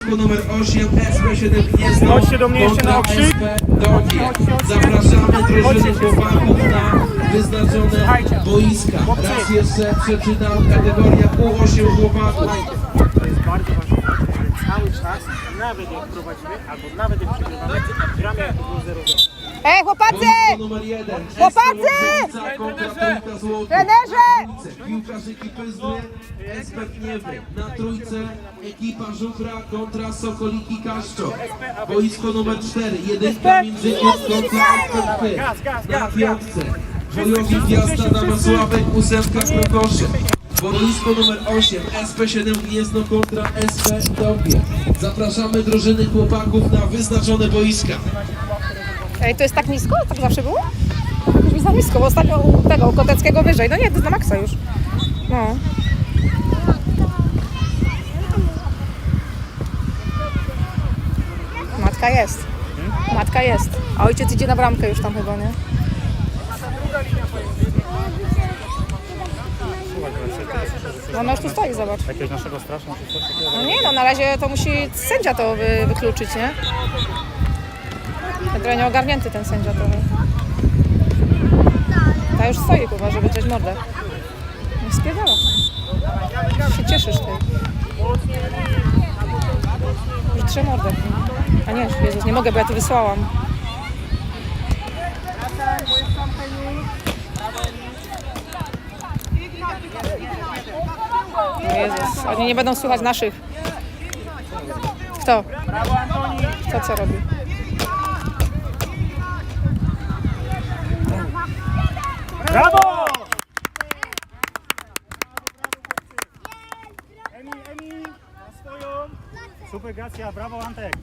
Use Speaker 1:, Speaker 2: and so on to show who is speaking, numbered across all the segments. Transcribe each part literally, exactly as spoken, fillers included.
Speaker 1: Numer osiem S P siedem Gniezno.
Speaker 2: Chodźcie do mnie jeszcze na okrzyk.
Speaker 1: S P Dobie. Zapraszamy drużyny chłopaków na wyznaczone boiska. Raz jeszcze przeczytam, kategoria U osiem chłopaków.
Speaker 2: To jest bardzo ważne, że cały czas, nawet jak prowadzimy, albo nawet jak przegrywamy, gramy jak to było zero zero.
Speaker 3: Ej, chłopacy!
Speaker 1: Boisko numer jeden.
Speaker 3: Chłopacy! Trenerze!
Speaker 1: Piłkarz ekipy Zły, S P Gniewny. Na trójce ekipa Żubra kontra Sokoliki Kaszczok. Boisko numer cztery. Jedynka Międzyniec kontra Antwerpy. Na piątce bojowi Gwiazda Damasławek, ósemka Krokosze. Boisko numer osiem S P siedem Gniezno kontra S P Dobie. Zapraszamy drużyny chłopaków na wyznaczone boiska.
Speaker 3: Ej, to jest tak nisko? Tak zawsze było? Już mi za nisko, bo ostatnio u tego, u Koteckiego wyżej. No nie, to jest na maksa już. No. Matka jest. Matka jest. A ojciec idzie na bramkę już tam chyba, nie? No ona już tu stoi, zobacz.
Speaker 2: Jakiegoś naszego strasznego czy coś takiego?
Speaker 3: No nie, no na razie to musi sędzia to wy, wykluczyć, nie? Trochę nieogarnięty ten sędzia trochę. Ta już stoi, chyba, żeby drzeć mordę. Nie spiewała. Się cieszysz ty. Już drze mordę. A nie, Jezus, nie mogę, bo ja tu wysłałam. O Jezus, oni nie będą słuchać naszych. Kto? Kto co robi?
Speaker 2: Brawo! Emil, Emil, na swoją. Super, Gracja, brawo Antek.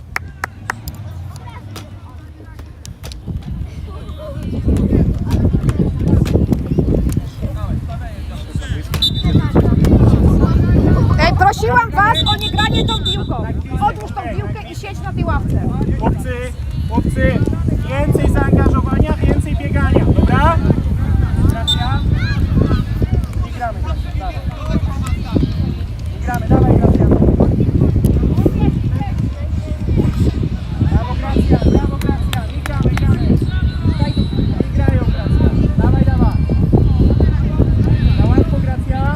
Speaker 3: Ej, prosiłam was o nie granie tą piłką. Odłóż tą piłkę i siedź na tej ławce.
Speaker 2: Chłopcy, chłopcy, więcej zaangażowania, więcej biegania, dobra? Gracja. I gramy, Gracja, dawaj. I gramy, dawaj, Gracja. Brawo, Gracja, brawo, Gracja. I gramy, gramy. I grają, Gracja. Dawaj, dawaj. Na łatwo, Gracja.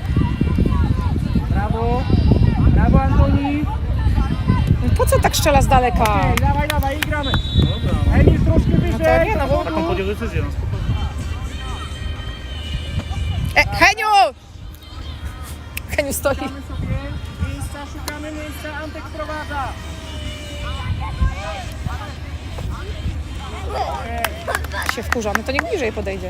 Speaker 2: Brawo. Brawo, Antoni.
Speaker 3: Po co tak strzela z daleka?
Speaker 2: Ej, dawaj, dawaj, i gramy. Emil, troszkę wyżej.
Speaker 3: No to nie, no bo-
Speaker 2: Taką podjął decyzję, no spokojnie.
Speaker 3: E, Heniu! Heniu stoi.
Speaker 2: Szukamy sobie miejsca, szukamy miejsca, Antek prowadza.
Speaker 3: Się wkurza, no to niech bliżej podejdzie.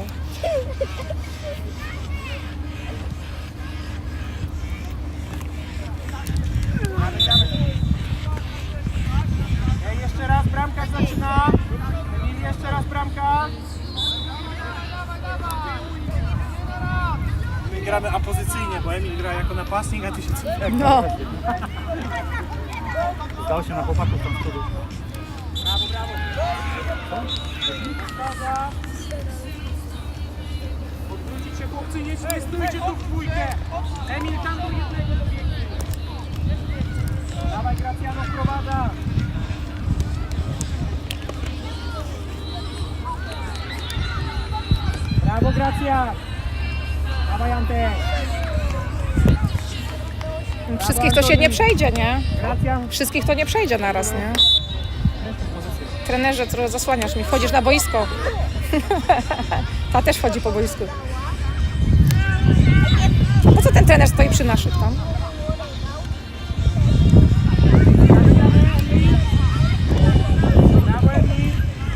Speaker 2: Ej, jeszcze raz bramka zaczyna. Emil, jeszcze raz bramka. My gramy apozycyjnie, bo Emil gra jako napastnik, a ty się co?
Speaker 3: No.
Speaker 2: Zdał się na chłopaków tam z przodu. Brawo, brawo. Zgadza. Odwrócić się, chłopcy, nie, nie stójcie tu w dwójkę. Emil, tam do jednego dobiegnie. Dawaj, Gracjano, wprowadza. Brawo, Gracja. Dawaj, Antek.
Speaker 3: Wszystkich to się nie przejdzie, nie?
Speaker 2: Gracja.
Speaker 3: Wszystkich to nie przejdzie naraz, nie? Trenerze, trochę zasłaniasz mi. Wchodzisz na boisko. Ta też wchodzi po boisku. Po co ten trener stoi przy naszych tam?
Speaker 2: Brawo, Emil.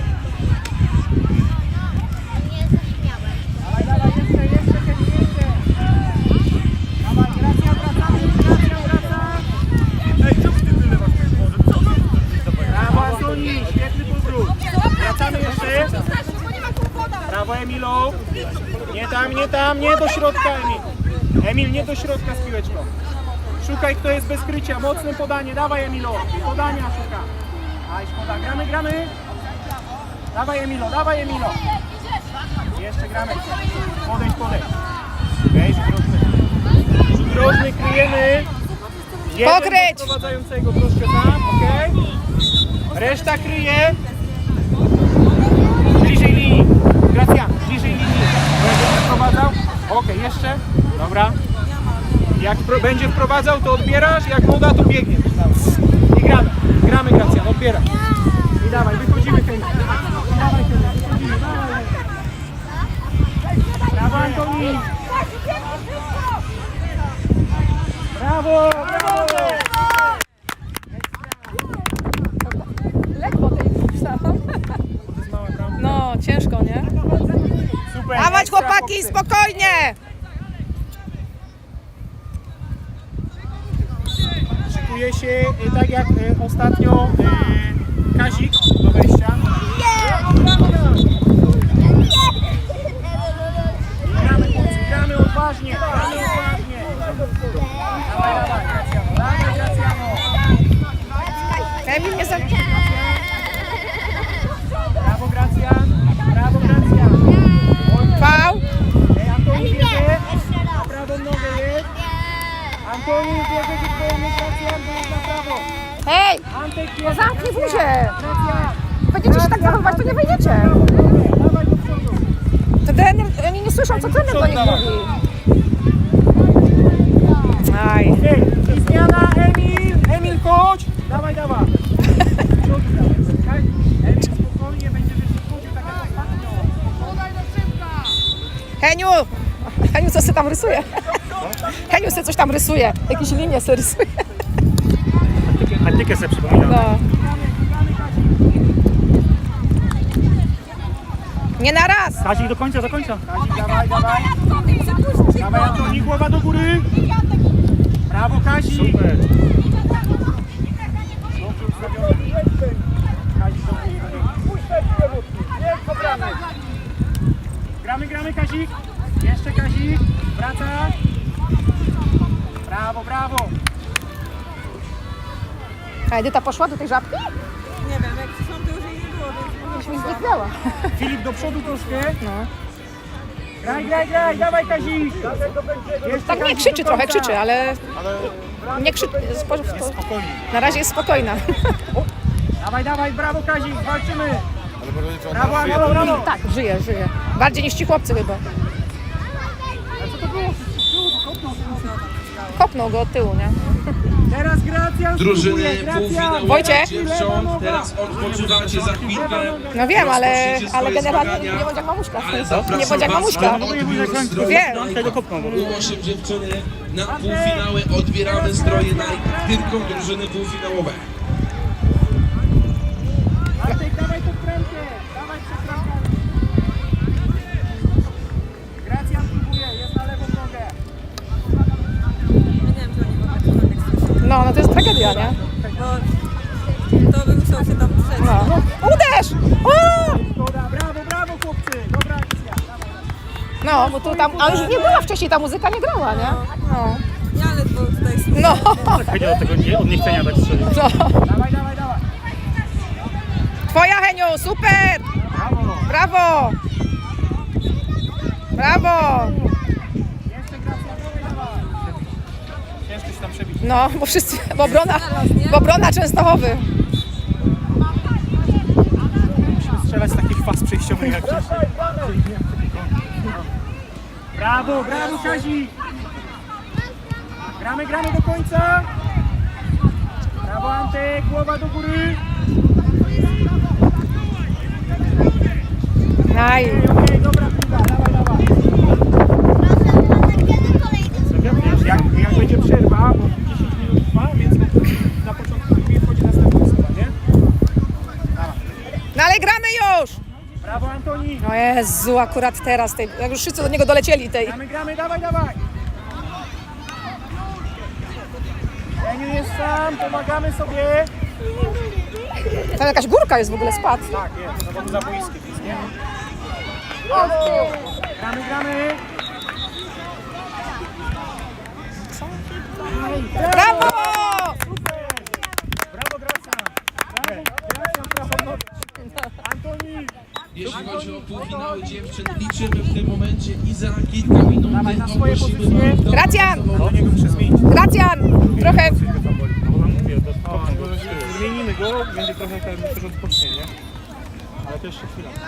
Speaker 2: Dawaj, dawaj, jeszcze, jeszcze, Kevin, jeszcze. Dawaj, Gracja, wracamy, Gracja, wraca. Ej, czemu ty wylewasz ten może? Brawo, Antoni, świetny powrót. Wracamy jeszcze. Brawo, Emilu. Nie tam, nie tam, nie do środka, Emil. Emil, nie do środka z piłeczką. Szukaj, kto jest bez krycia. Mocne podanie. Dawaj, Emilo. Podania szuka. Aj, szkoda. Gramy, gramy. Dawaj, Emilo, dawaj, Emilo. Jeszcze gramy. Podejdź, podejdź. Okej, rzut rożny. Rzut rożny, kryjemy. Jeden
Speaker 3: Pokryć!
Speaker 2: do Prowadzającego troszkę tam, okej? Reszta kryje. Bliżej linii. Gracjan, bliżej linii. Będzie wprowadzał. Okej, jeszcze. Dobra. Jak pro, będzie wprowadzał, to odbierasz. Jak moda, to biegniesz. I gramy. Gramy, Gracjan, odbieraj. I dawaj, wychodzimy, Henry. Dawaj, Henry, wychodzimy, dawaj. Brawo, Antoni. Brawo, brawo.
Speaker 3: Lekko tej pisałam. No, ciężko, nie?
Speaker 2: Super.
Speaker 3: Dawać
Speaker 2: ekstra,
Speaker 3: chłopaki,
Speaker 2: chłopcy.
Speaker 3: spokojnie!
Speaker 2: Szykuje się e, tak jak e, ostatnio e, Kazik do wejścia. Gramy, chłopcy, gramy odważnie, gramy odważnie. Dawaj, dawaj, Gracjano, dawaj, Gracjano.
Speaker 3: Emil nie za...
Speaker 2: Brawo, Gracjan, brawo, Gracjan.
Speaker 3: Fał.
Speaker 2: Ej, Antoni bierze, na prawą nogę jest. Antoni bierze, gdzie twoje Gracjan, to jest na prawo.
Speaker 3: Hej!
Speaker 2: Antek bierze,
Speaker 3: Zamknij
Speaker 2: Gracjan,
Speaker 3: buzię!
Speaker 2: Gracjan.
Speaker 3: Będziecie się tak zachowywać, to nie wejdziecie.
Speaker 2: Dawaj do przodu.
Speaker 3: To trener, oni nie słyszą, co trener do nich mówi. Aj.
Speaker 2: Ej, i zmiana, Emil! Emil, chodź! Dawaj, dawaj! Do przodu dawaj, czekaj. Emil, spokojnie, będzie wyżej chodził tak jak ostatnio.
Speaker 3: Heniu! Heniu, co se tam rysuje? Heniu se coś tam rysuje. Jakieś linie se rysuje.
Speaker 2: Antykę sobie przypominam.
Speaker 3: No. Nie na raz!
Speaker 2: Kazik do końca, do końca. Kazik, dawaj, dawaj. Dawaj, Antoni, głowa do góry. Brawo, Kazik. Super. Dobrze ustawiony. Kazik do góry. Jest do bramy. Gramy, gramy, Kazik. Jeszcze Kazik. Wraca. Brawo, brawo.
Speaker 3: A Edyta poszła do tej żabki?
Speaker 4: Nie wiem, jak przyszłam, to już jej nie było, więc
Speaker 3: Już mi zniknęła.
Speaker 2: Filip do przodu troszkę.
Speaker 3: No.
Speaker 2: Graj, graj, graj, dawaj Kazik. Jeszcze
Speaker 3: Tak nie
Speaker 2: Kazik
Speaker 3: krzyczy
Speaker 2: do
Speaker 3: trochę,
Speaker 2: końca.
Speaker 3: krzyczy, ale nie krzyczy. spo-
Speaker 2: Jest
Speaker 3: to-
Speaker 2: spokojnie.
Speaker 3: Na razie jest spokojna.
Speaker 2: Dawaj, dawaj, brawo Kazik, walczymy. Brawo, brawo, brawo.
Speaker 3: Tak, żyje, żyje. Bardziej niż ci chłopcy chyba.
Speaker 2: A co to było?
Speaker 3: Kopnął go od tyłu, nie?
Speaker 2: Teraz Gracjan
Speaker 1: Drużyny
Speaker 2: spróbuje, Gracjan.
Speaker 1: półfinałowe
Speaker 3: Wojciech?
Speaker 1: dziewcząt, teraz odpoczywacie za chwilkę.
Speaker 3: No wiem, ale,
Speaker 1: Rozpoczniecie
Speaker 3: ale
Speaker 1: swoje
Speaker 3: generalnie
Speaker 1: zmagania.
Speaker 3: nie bądź jak mamuśka.
Speaker 1: Ale
Speaker 3: Nie
Speaker 1: zapraszam
Speaker 3: bądź jak
Speaker 1: was
Speaker 3: mamuśka.
Speaker 1: na odbiór zdroju
Speaker 3: Wiem.
Speaker 1: Nike. U osiem dziewczyny na półfinały odbieramy zdroje Nike, tylko drużyny półfinałowe.
Speaker 2: Bartek, dawaj tą prędkę, dawaj przekrankę. Gracjan próbuje, jest na lewą nogę.
Speaker 4: nie wiem, czy oni mogą cokolwiek słyszeć,
Speaker 3: No, no to jest tragedia, nie?
Speaker 4: bo to by musiał się tam przejść.
Speaker 3: No. Uderz! O!
Speaker 2: Szkoda, brawo, brawo chłopcy, dobra akcja. Dawaj.
Speaker 3: No, bo tu tam, a już nie była wcześniej, ta muzyka nie grała, nie? No.
Speaker 4: Ja ledwo tutaj słucham.
Speaker 3: No.
Speaker 2: Chodzi o tego nie, od niechcenia tak strzelić.
Speaker 3: no.
Speaker 2: Dawaj, dawaj, dawaj.
Speaker 3: Twoja, Heniu, super!
Speaker 2: Brawo.
Speaker 3: Brawo! Brawo!
Speaker 2: Jeszcze Gracjan, dawaj, dawaj. Ciężko się tam przebić.
Speaker 3: No, bo wszyscy, bo obrona, bo obrona Częstochowy.
Speaker 2: Musimy strzelać z takich faz przejściowych jak wcześniej. Brawo, brawo Kazik! Gramy, gramy do końca! Brawo Antek, głowa do góry!
Speaker 3: Aj.
Speaker 2: Okej, okej, dobra piłka, dawaj, dawaj! Jak, jak będzie przerwa, bo dziesięć minut trwa, więc na początku nie wchodzi następna osoba, nie? Dawaj.
Speaker 3: No ale gramy już!
Speaker 2: Brawo Antoni!
Speaker 3: O Jezu, akurat teraz, tej, jak już wszyscy do niego dolecieli tej.
Speaker 2: Gramy, gramy, dawaj, dawaj! Jeniu jest sam, pomagamy sobie!
Speaker 3: Tam jakaś górka jest w ogóle, spadł.
Speaker 2: Tak, jest, no bo za boiskiem jest, nie? Gramy, gramy!
Speaker 3: Brawo!
Speaker 2: Super! Brawo, Gracjan! Brawo, Gracjan, brawo, Antoni!
Speaker 1: Jeśli chodzi o półfinały dziewczyn, liczymy w tym momencie i za kilka minut
Speaker 2: Dawaj na swoje
Speaker 1: ogłosimy
Speaker 2: pozycje.
Speaker 1: wam, kto
Speaker 3: Gracjan!
Speaker 2: Do niego muszę zmienić.
Speaker 3: Gracjan! Trochę...
Speaker 2: No bo nam mówię, to o, zmienimy go, będzie trochę ten też odpocznie, nie? Ale to jeszcze chwila.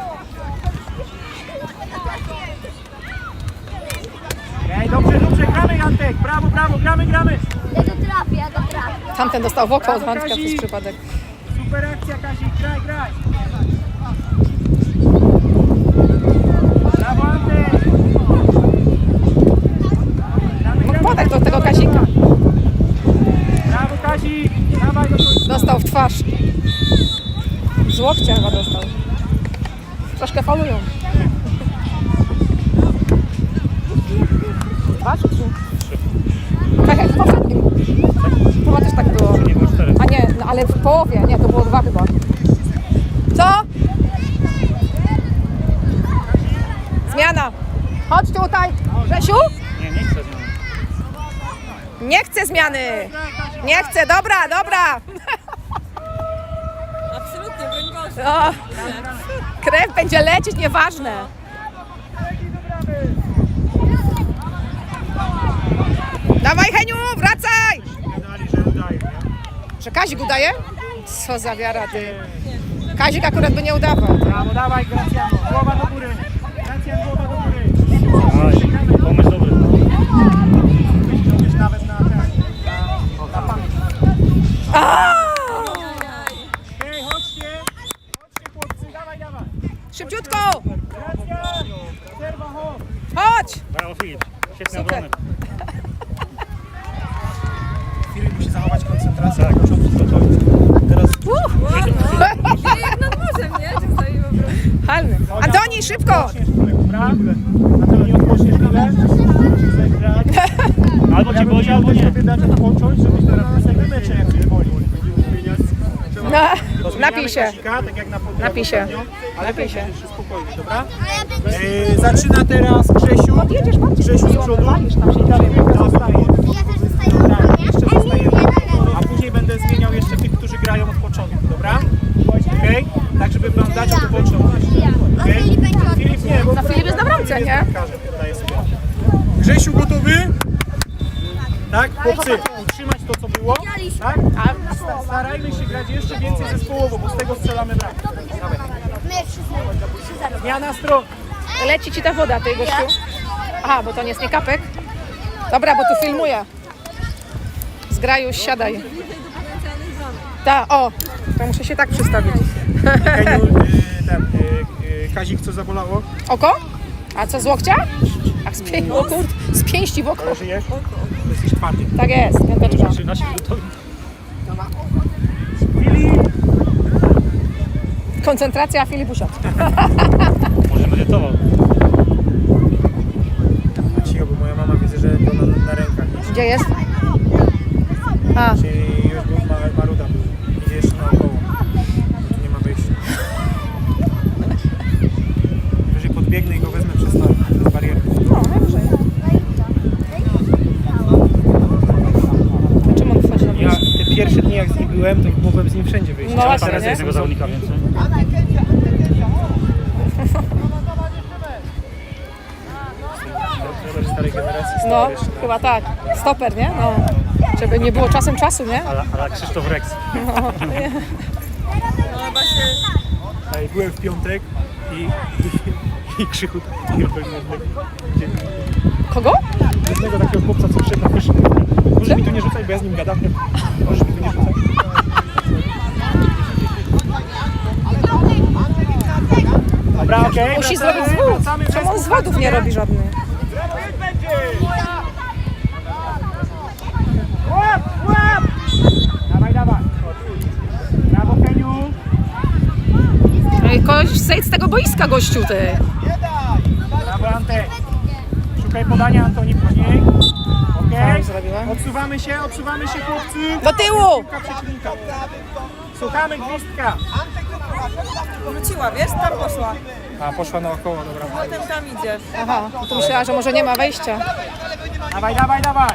Speaker 2: Ej, dobrze, dobrze, gramy Antek, brawo, brawo, gramy, gramy.
Speaker 5: Ja to trafię, ja to trafię.
Speaker 3: Tamten dostał w oko od Antka przez przypadek.
Speaker 2: Super akcja, Kazik, graj, graj. Brawo Antek. Gramy, gramy.
Speaker 3: Podaj do tego Kazika.
Speaker 2: Brawo Kazik, dawaj do końca.
Speaker 3: Dostał w twarz. Z łokcia chyba dostał. Troszkę faulują. Dwa czy trzy? Tak jak w poprzednim. Chyba też tak było.
Speaker 2: Nie było cztery.
Speaker 3: A nie, no ale w połowie. Nie, to było dwa chyba. Co? Zmiana. Chodź tutaj. Grzesiu?
Speaker 2: Nie, nie chcę zmiany.
Speaker 3: Nie chcę zmiany. Nie chcę. Dobra, dobra.
Speaker 4: Absolutnie, broń Boże.
Speaker 3: O, krew będzie lecieć, nieważne. Dawaj Heniu, wracaj!
Speaker 2: Gadali, że udaje, nie?
Speaker 3: Że Kazik udaje? Co za wiara ty. Kazik akurat by nie udawał.
Speaker 2: Brawo, dawaj Gracjano, głowa do góry. Gracjan, głowa do góry.
Speaker 6: Aj, pomysł dobry.
Speaker 2: Myślisz nawet na ten, na, na pamięć. Hej, chodźcie, chodźcie chłopcy, dawaj, dawaj.
Speaker 3: Szybciutko!
Speaker 2: Gracjan, przerwa, chodź.
Speaker 3: Chodź!
Speaker 6: Brawo Filip, świetny
Speaker 3: Super.
Speaker 6: obronek.
Speaker 2: Filip musi zachować koncentrację. Tak, teraz
Speaker 4: Czyli jak nad morzem, nie? Czy stoi po prostu?
Speaker 3: Halny. Antoni, szybko!
Speaker 2: odpoczniesz chwilę, dobra? A to nie odpoczniesz chwilę, musisz zagrać.
Speaker 6: Albo cię boli, albo nie.
Speaker 2: sobie dać odpocząć, żebyś teraz następny mecz jak cię boli.
Speaker 3: No,
Speaker 2: To
Speaker 3: napij
Speaker 2: zmieniamy
Speaker 3: się.
Speaker 2: Kazika, tak jak na podwórku
Speaker 3: Napij się.
Speaker 2: ostatnio, ale
Speaker 3: Napij się.
Speaker 2: będzie spokojnie, dobra?
Speaker 5: A ja będę
Speaker 2: Yy, zaczyna teraz Grzesiu.
Speaker 3: Jedziesz bardziej.
Speaker 2: Grzesiu z przodu.
Speaker 3: Walisz tam się
Speaker 2: I Dawidka zostaje.
Speaker 5: ja też zostaję na
Speaker 2: Tak,
Speaker 5: obronie.
Speaker 2: jeszcze zostajemy.
Speaker 5: Nie,
Speaker 2: A później będę zmieniał jeszcze tych, którzy grają od początku, dobra? Okej? Tak, żeby wam dać odpocząć.
Speaker 5: A
Speaker 2: Okej?
Speaker 5: Filip będzie od...
Speaker 2: Filip nie, bo
Speaker 3: No Filip jest na bramce,
Speaker 2: Filip
Speaker 3: nie?
Speaker 2: jest bramkarzem, daję sobie. Grzesiu gotowy? Tak? Chłopcy, utrzymać to, co było. Tak? A sta- starajmy się grać jeszcze więcej zespołowo, bo z tego strzelamy bramkę. Dawaj.
Speaker 5: My wszyscy.
Speaker 2: Zmiana stron.
Speaker 3: Leci ci ta woda, ty gościu. Aha, bo to nie jest nie kapek. Dobra, bo tu filmuję. Zgraju, siadaj.
Speaker 4: Bliżej do potencjalnych bramek.
Speaker 3: Ta, o, to muszę się tak przystawić.
Speaker 2: Heniu, y, ten, y, y, Kazik, co zabolało?
Speaker 3: Oko? A co z łokcia? Ach, z, pię- o kur... z pięści w oko.
Speaker 2: Ale żyjesz? Jesteś twardy.
Speaker 3: Tak jest, piąteczka.
Speaker 6: trzynaście minutowi.
Speaker 2: Filip!
Speaker 3: Koncentracja, Filip usiadł.
Speaker 6: Może medytował.
Speaker 2: Cicho, bo moja mama widzę, że to na, na rękach jest.
Speaker 3: Gdzie jest? A,
Speaker 2: Czyli już był ma, Maruda był. Idzie jeszcze naokoło. Tu nie ma wyjścia. Wyżej podbiegnę i go wezmę przez to, przez barierę.
Speaker 3: no, najwyżej. A czym on wchodzi na
Speaker 2: Ja
Speaker 3: boisko?
Speaker 2: te pierwsze dni jak z nim byłem, to mogłem z nim wszędzie wyjść.
Speaker 3: No
Speaker 2: A
Speaker 3: właśnie,
Speaker 2: teraz
Speaker 3: nie?
Speaker 2: jest
Speaker 6: Jednego zawodnika więcej.
Speaker 2: trener starej generacji.
Speaker 3: No,
Speaker 2: stary jeszcze.
Speaker 3: chyba tak. Stoper, nie? No. Żeby nie było czasem czasu, nie?
Speaker 6: Ale, ale Krzysztof Rex.
Speaker 3: No, nie.
Speaker 4: No chyba się...
Speaker 2: Ej, byłem w piątek i, i, i Krzychu takiego pewnego.
Speaker 3: Kogo?
Speaker 2: Jednego takiego chłopca, co przyszedł na pierwszy. Możesz mi tu nie rzucać, bo ja z nim gadam. Możesz mi tu nie rzucać. Dobra, okej.
Speaker 3: Musi
Speaker 2: wracamy,
Speaker 3: zrobić zwód.
Speaker 2: wracamy,
Speaker 3: Czemu on
Speaker 2: bez
Speaker 3: zwodów nie robi żadnych?
Speaker 2: Łap, łap! Dawaj, dawaj. Brawo, Keniu.
Speaker 3: Ej, koś, zejdź z tego boiska, gościu, ty.
Speaker 2: Brawo, Antek. Szukaj podania, Antoni, później. Okej.
Speaker 3: Tak, zrobiłem.
Speaker 2: Odsuwamy się, odsuwamy się, chłopcy.
Speaker 3: Do tyłu!
Speaker 2: Piłka przeciwnika. Słuchamy gwizdka.
Speaker 4: Wróciła, wiesz? Tam poszła.
Speaker 2: A, poszła naokoło, dobra.
Speaker 4: Potem tam idzie.
Speaker 3: Aha, no to myślała, że może nie ma wejścia.
Speaker 2: Dawaj, dawaj, dawaj.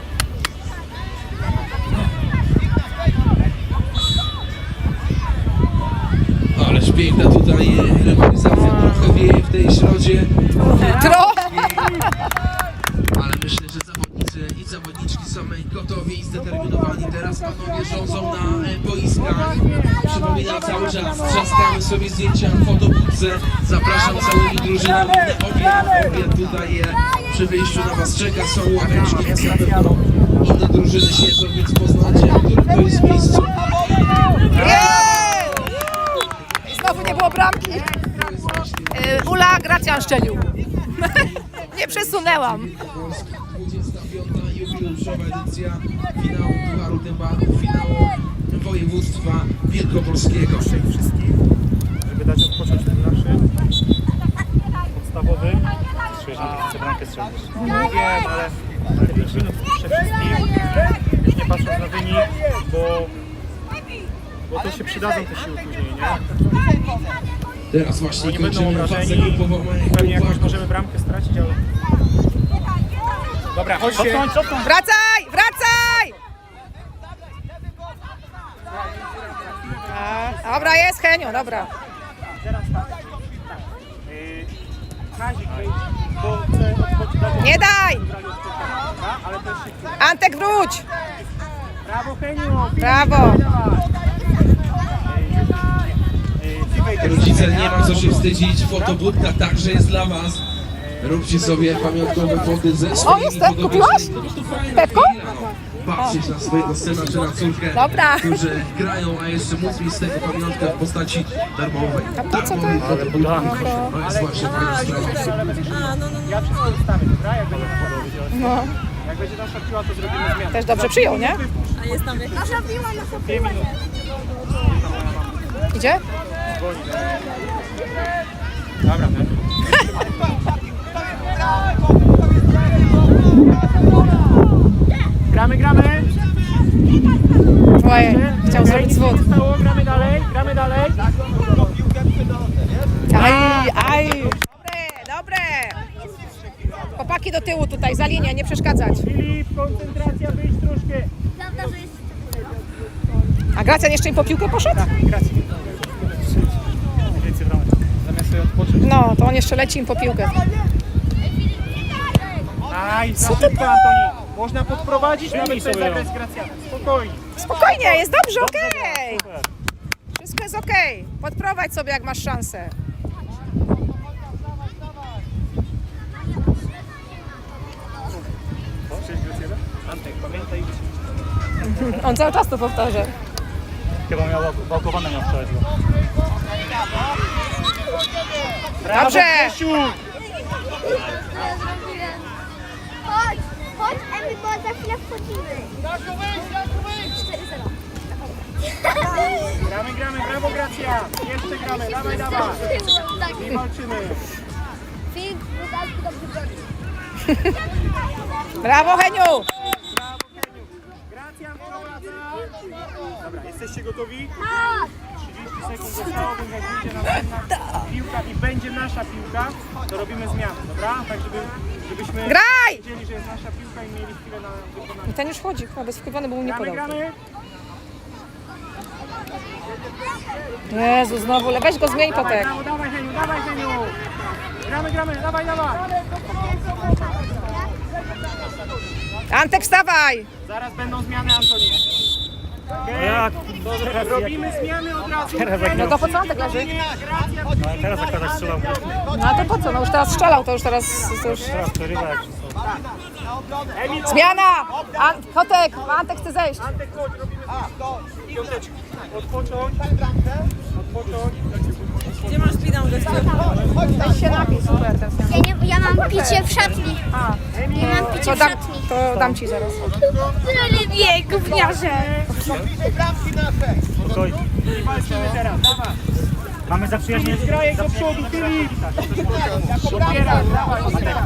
Speaker 1: Ależ piękna tutaj rywalizacja, trochę wieje w tej środzie,
Speaker 3: Trochę.
Speaker 1: ale myślę, że zawodnicy i zawodniczki są gotowi i zdeterminowani. Teraz panowie rządzą na e, boiskach. Przypominam cały czas, trzaskamy sobie zdjęcia w fotobudce. Zapraszam całymi drużynami na obiad. Obiad tutaj e, przy wyjściu na was czeka, są ławeczki, na pewno inne drużyny siedzą, więc poznacie, w którym to jest miejscu.
Speaker 3: Jej! I znowu nie było bramki. Yy, Ula Gracjan szczelił. Nie przesunęłam.
Speaker 1: Polski, dwudziesta piąta jubileuszowa edycja finału Pucharu Dębaków, finału województwa wielkopolskiego.
Speaker 6: Wszystkich, żeby dać odpocząć ten naszy podstawowy. Słyszę, że chcę bramkę strzelić. Nie wiem, ale ale pięć minut przede wszystkim, już nie patrząc na wynik, bo, bo to się przydadzą te siły później, nie?
Speaker 1: Teraz właśnie
Speaker 6: Oni będą
Speaker 1: kończymy fazę
Speaker 6: obrażeni,
Speaker 1: grupową.
Speaker 6: pewnie jakąś możemy bramkę stracić, ale... Dobra, chodźcie! Cofnąć, cofnąć!
Speaker 3: Wracaj, wracaj! A, dobra, jest Henio, dobra.
Speaker 6: Teraz tak. Yy, Kazik wejdź, bo chcę odpocząć.
Speaker 3: Nie daj!
Speaker 6: Ale też się chce.
Speaker 3: Antek, wróć!
Speaker 6: Brawo, Heniu!
Speaker 3: Brawo!
Speaker 1: Rodzice, nie ma co się wstydzić, fotobudka także jest dla was. Róbcie sobie pamiątkowe foty ze swoimi
Speaker 3: jestem, kupiłaś?
Speaker 1: podobieństwami. Po prostu fajna
Speaker 3: Pepko?
Speaker 1: chwila, no. Patrzeć na swojego syna czy na córkę,
Speaker 3: Dobra.
Speaker 1: którzy grają, a jeszcze móc mieć z tego pamiątkę w postaci darmowej.
Speaker 3: po co to?
Speaker 1: Darmowej fotobudki. To jest właśnie fajna sprawa.
Speaker 6: Ja wszystko ustawię, dobra? Jak będzie
Speaker 3: No,
Speaker 6: Jak będzie nasza piła, to zrobimy zmianę.
Speaker 3: też dobrze przyjął, nie?
Speaker 4: A jest tam jakiś...
Speaker 5: Nasza piła, nasza
Speaker 6: Dwie minuty.
Speaker 3: Idzie?
Speaker 6: Dobra, tak. Gramy, gramy.
Speaker 3: Ojej, chciał zrobić zwód.
Speaker 6: Zostało, gramy dalej, gramy dalej.
Speaker 3: Aj, aj! Dobre, dobre! Chłopaki do tyłu tutaj, za linię, nie przeszkadzać.
Speaker 6: Filip, koncentracja, wyjść troszkę.
Speaker 5: Prawda, że jest...
Speaker 3: A Gracjan jeszcze im po piłkę poszedł?
Speaker 6: Gracie. Więcej bramek. Zamiast sobie odpocząć.
Speaker 3: No, to on jeszcze leci im po piłkę.
Speaker 6: Aj, za szybko, Antoni. Można podprowadzić, nawet bez zagrać z Gracjanem. Spokojnie.
Speaker 3: Spokojnie, jest dobrze, okej! Wszystko jest okej. Podprowadź sobie, jak masz szansę.
Speaker 6: Cześć, Gracjana. Antek, pamiętaj.
Speaker 3: On cały czas to powtarza.
Speaker 6: Chyba miał wałkowane miał wczoraj.
Speaker 3: Dobrze!
Speaker 6: Grzesiu!
Speaker 5: Chodź, chodź, Emi, bo za chwilę wchodzimy. cztery zero.
Speaker 6: Gramy, gramy, brawo Gracja! Jeszcze gramy, dawaj, dawaj!
Speaker 5: Tak.
Speaker 6: I walczymy!
Speaker 5: Filip, Rudalski dobrze broni.
Speaker 3: Brawo, Heniu!
Speaker 6: Gracja wprowadza! Dobra, jesteście gotowi?
Speaker 5: Tak.
Speaker 6: trzydzieści sekund zostało, więc jak wyjdzie następna piłka i będzie nasza piłka, to robimy zmianę, dobra? Tak, żeby, żebyśmy
Speaker 3: Graj!
Speaker 6: wiedzieli, że jest nasza piłka i mieli chwilę na wykonanie.
Speaker 3: I ten już wchodzi, chyba bez wkupiony, bo mu nie
Speaker 6: Gramy,
Speaker 3: podał.
Speaker 6: gramy!
Speaker 3: Jezu, znowu, le- weź go zmień
Speaker 6: Dawaj,
Speaker 3: potek.
Speaker 6: brawo, dawaj Heniu, dawaj Heniu! Gramy, gramy, dawaj, dawaj!
Speaker 3: Antek, wstawaj!
Speaker 6: Zaraz będą zmiany, Antoni. Okay. Robimy zmiany od razu.
Speaker 3: No to po co Antek leży?
Speaker 6: No, teraz jak teraz strzelał.
Speaker 3: No a to po co? No już teraz strzelał, to już teraz... To już...
Speaker 6: Teraz przerywa jak się
Speaker 3: Zmiana! An Kotek, Antek chce zejść.
Speaker 6: Antek, chodź, robimy piąteczki. Odpocząć. Odpocząć.
Speaker 4: Gdzie masz pinał gościu?
Speaker 3: Weź się napij, super. Ten
Speaker 5: Ja, nie, ja mam picie w szatni. Ja mam picie
Speaker 3: to,
Speaker 5: w
Speaker 3: dam,
Speaker 5: szatni.
Speaker 3: to dam ci zaraz.
Speaker 5: Tyle wie, gówniarze.
Speaker 6: Spokojnie. I walczymy teraz, dawaj. Mamy zaprzyjaźnienie. Grajek do przodu, Filip. Odbieraj, dawaj.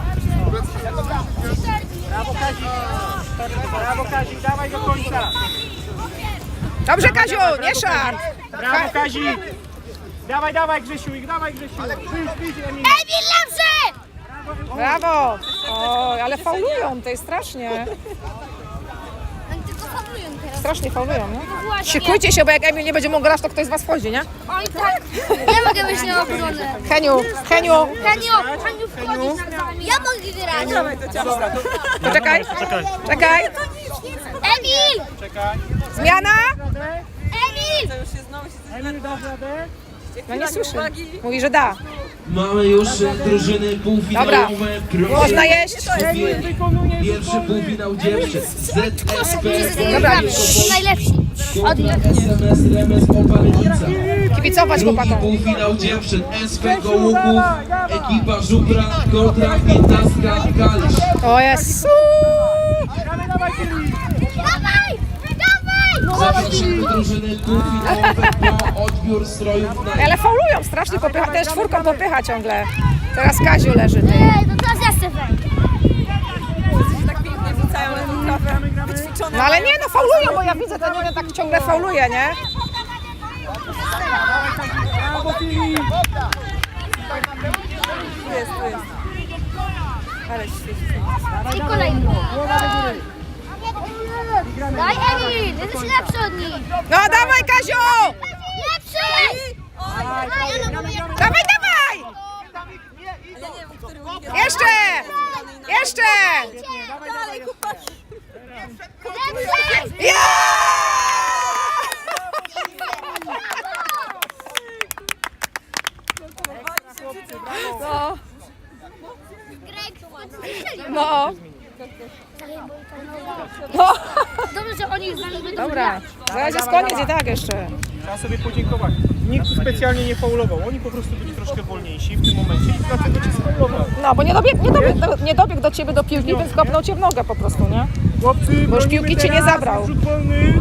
Speaker 6: Brawo Kazik. Brawo Kazik, dawaj do końca.
Speaker 3: Dobrze, Kaziu, nie szarp.
Speaker 6: Brawo Kazik. Dawaj, dawaj Grzesiu, ich dawaj Grzesiu. Wyjdź, wyjdź, Emil.
Speaker 5: Emil, lepszy!
Speaker 3: Brawo. O, ale faulują, to jest strasznie.
Speaker 5: Oni tylko faulują teraz.
Speaker 3: strasznie faulują, nie? Szykujcie się, bo jak Emil nie będzie mógł grać, to ktoś z was wchodzi, nie?
Speaker 5: Oj, tak. Ja mogę być na obronę.
Speaker 3: Heniu, Heniu,
Speaker 5: Haniu, Haniu wchodzi. Ja mogę grać.
Speaker 3: poczekaj,
Speaker 6: Czekaj.
Speaker 3: czekaj.
Speaker 5: Emil!
Speaker 3: Zmiana?
Speaker 5: Emil!
Speaker 2: Emil, dasz radę?
Speaker 3: No nie słyszę. Mówi, że da.
Speaker 1: Mamy już e, drużyny półfinałowe. Proszę.
Speaker 3: Można jeść.
Speaker 2: Emil wykonuje rzut
Speaker 1: Pierwszy
Speaker 2: wolny.
Speaker 1: półfinał dziewczyn. Z S P
Speaker 3: Dobra.
Speaker 5: Najlepsi.
Speaker 1: kontra S M S Remes Opalenica.
Speaker 3: Kibicować
Speaker 1: Drugi
Speaker 3: chłopakom.
Speaker 1: półfinał dziewczyn. S P Gołuchów. Ekipa Żubra kontra piętnastka Kalisz.
Speaker 3: O Jezu.
Speaker 2: Dawaj, dawaj, Filip.
Speaker 5: Dawaj! Dawaj!
Speaker 1: Zapraszamy drużyny półfinałowe po odbiór strojów na
Speaker 3: Ale faulują strasznie, popycha, też czwórką popycha ciągle. Teraz Kaziu leży. Ty.
Speaker 5: Ej, to teraz ja chcę wejść.
Speaker 4: Tak pięknie wrzucają na tą trawę. Wyćwiczone.
Speaker 3: No ale nie, no faulują, bo ja widzę, to nie tak ciągle fauluje, nie?
Speaker 2: Brawo, Filip.
Speaker 4: Tu jest, tu jest. Ale świetnie.
Speaker 5: I kolejny.
Speaker 2: Głowa do góry.
Speaker 5: Daj Emil! Jesteś lepszy od nich.
Speaker 3: No dawaj Kaziu!
Speaker 5: Lepszy!
Speaker 3: Dawaj, dawaj!
Speaker 4: Ja nie wiem, który u nich jest.
Speaker 3: Jeszcze! Jeszcze!
Speaker 4: Dalej, chłopaki.
Speaker 5: Lepszy!
Speaker 3: Ja! No, no, no.
Speaker 5: Dobrze, że oni z nami będą
Speaker 3: Dobra, zaraz jest koniec i tak jeszcze.
Speaker 6: Trzeba sobie podziękować. Nikt specjalnie nie faulował. Oni po prostu byli troszkę wolniejsi w tym momencie i dlatego cię sfaulował.
Speaker 3: No, bo nie dobiegł, nie dobiegł, do, nie dobiegł do ciebie do piłki, więc kopnął cię w nogę po prostu, nie?
Speaker 6: Chłopcy,
Speaker 3: Bo już
Speaker 6: bronimy
Speaker 3: piłki cię nie
Speaker 6: teraz.
Speaker 3: zabrał.
Speaker 6: Rzut wolny.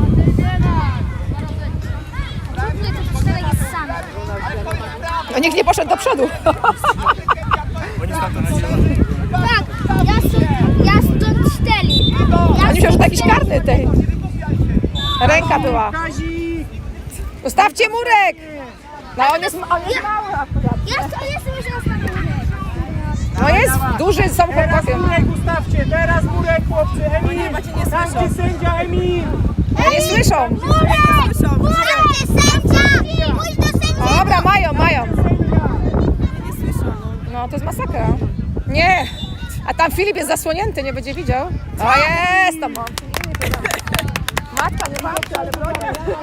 Speaker 5: Trudny to czterech jest sam.
Speaker 3: No nikt nie poszedł do przodu.
Speaker 6: Oni stamtąd zjechali.
Speaker 5: Tak, ja stąd, ja stąd cztery. Ja
Speaker 3: Oni myślą, że to jakiś karny tej. Ręka była.
Speaker 2: Kazik.
Speaker 3: Ustawcie murek! No on jest, on jest mały akurat.
Speaker 5: Ja stąd jestem już nastawiony.
Speaker 3: No jest duży, są
Speaker 2: Teraz
Speaker 3: chłopakiem.
Speaker 2: murek ustawcie, teraz murek, chłopcy. Emil,
Speaker 4: Nie, macie nie
Speaker 2: tam
Speaker 4: słyszą.
Speaker 2: gdzie sędzia Emil.
Speaker 3: Nie słyszą.
Speaker 5: Murek! Murek! Sędzia! Pójdź do sędzia!
Speaker 3: Dobra, mają, mają.
Speaker 4: Nie słyszą, no.
Speaker 3: No to jest masakra. Nie. A tam Filip jest zasłonięty, nie będzie widział. O jest tam on. Matka nie matka, ale broni.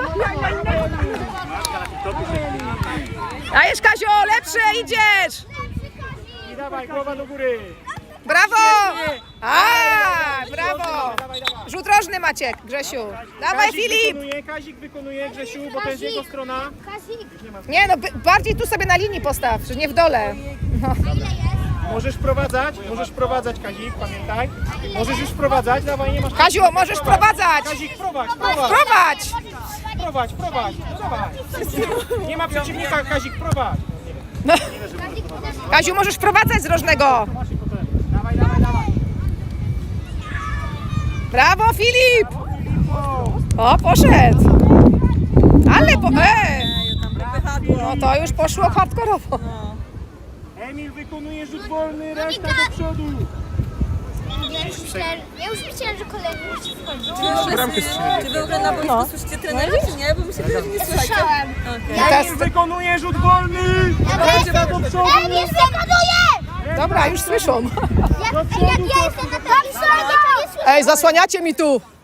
Speaker 3: Dajesz Kazio, lepsze idziesz.
Speaker 2: I dawaj, głowa do góry.
Speaker 3: Brawo. A, brawo. Rzut rożny Maciek, Grzesiu. Dawaj
Speaker 2: Kazik
Speaker 3: Filip.
Speaker 2: wykonuje, Kazik wykonuje, Grzesiu, bo to jest jego strona.
Speaker 5: Kazik,
Speaker 3: Nie no, by- bardziej tu sobie na linii postaw, że nie w dole. No.
Speaker 2: Możesz wprowadzać, możesz wprowadzać, Kazik, pamiętaj. Możesz już wprowadzać, dawaj, nie masz...
Speaker 3: Kaziu, możesz wprowadzać.
Speaker 2: Kazik, prowadź, prowadź,
Speaker 3: Prowadź.
Speaker 2: prowadź, prowadź, prowadź. Nie ma przeciwnika, Kazik, prowadź.
Speaker 3: Kaziu, możesz wprowadzać z rożnego.
Speaker 2: Dawaj, dawaj, dawaj.
Speaker 3: Brawo Filip. O, poszedł. Ale po... E. No to już poszło hardkorowo.
Speaker 2: Emil wykonuje rzut wolny, reszta do przodu.
Speaker 5: ja już myślałem, ja już myślałem, że kolejny musi wchodzić.
Speaker 4: Czy wy w ogóle na boisku
Speaker 3: No.
Speaker 4: słyszycie trenera, czy nie? Bo mi się wydaje, że nie słychać.
Speaker 5: Słyszałem.
Speaker 3: I teraz...
Speaker 2: Emil wykonuje rzut wolny, reszta do przodu.
Speaker 5: Emil wykonuje!
Speaker 3: Dobra, już słyszą.
Speaker 5: Ja, ja, ja jestem na takim stronie, to nie słyszę.
Speaker 3: Ej, zasłaniacie mi tu.